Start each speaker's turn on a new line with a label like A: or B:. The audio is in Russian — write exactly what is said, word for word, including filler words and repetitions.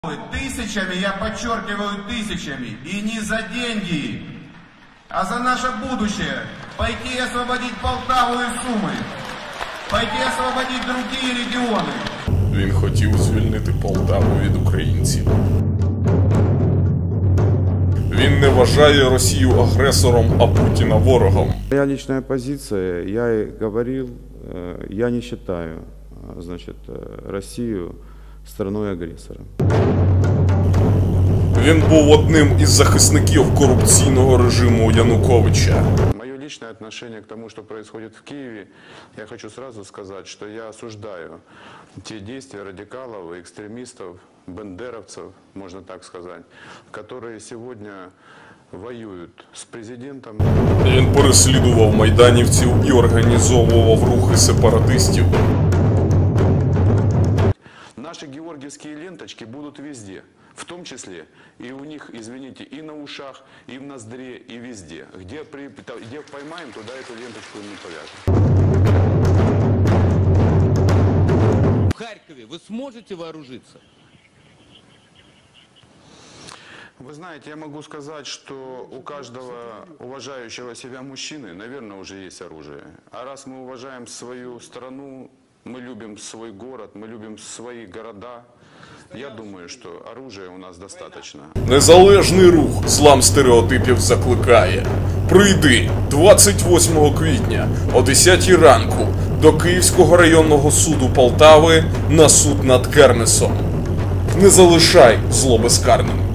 A: Тысячами, я подчеркиваю, тысячами, и не за деньги, а за наше будущее, пойти освободить Полтаву и Сумы, пойти освободить другие регионы.
B: Він хотів звільнити Полтаву від українців. Він не вважає Росію агресором, а Путіна ворогом.
C: Моя личная позиция, я и говорил, я не считаю, значит, Россию страной-агрессором.
B: Він був одним із захисників корупційного режиму Януковича.
D: Мое личное отношение к тому, что происходит в Киеве, я хочу сразу сказать, что я осуждаю те действия радикалов, экстремистов, бендеровцев, можно так сказать, которые сегодня воюють з президентом.
B: Він переслідував майданівців і організовував рухи сепаратистів.
D: Наши георгиевские ленточки будут везде, в том числе и у них, извините, и на ушах, и в ноздре, и везде. Где, при, где поймаем, туда эту ленточку не повяжем.
E: В Харькове вы сможете вооружиться?
D: Вы знаете, я могу сказать, что у каждого уважающего себя мужчины, наверное, уже есть оружие. А раз мы уважаем свою страну, мы любим свой город, мы любим свои города, я думаю, что оружия у нас достаточно.
B: Незалежний рух «Злам стереотипів» закликає: прийди двадцять восьмого квітня о десятій ранку до Київського районного суду Полтави на суд над Кернесом. Не залишай зло безкарним.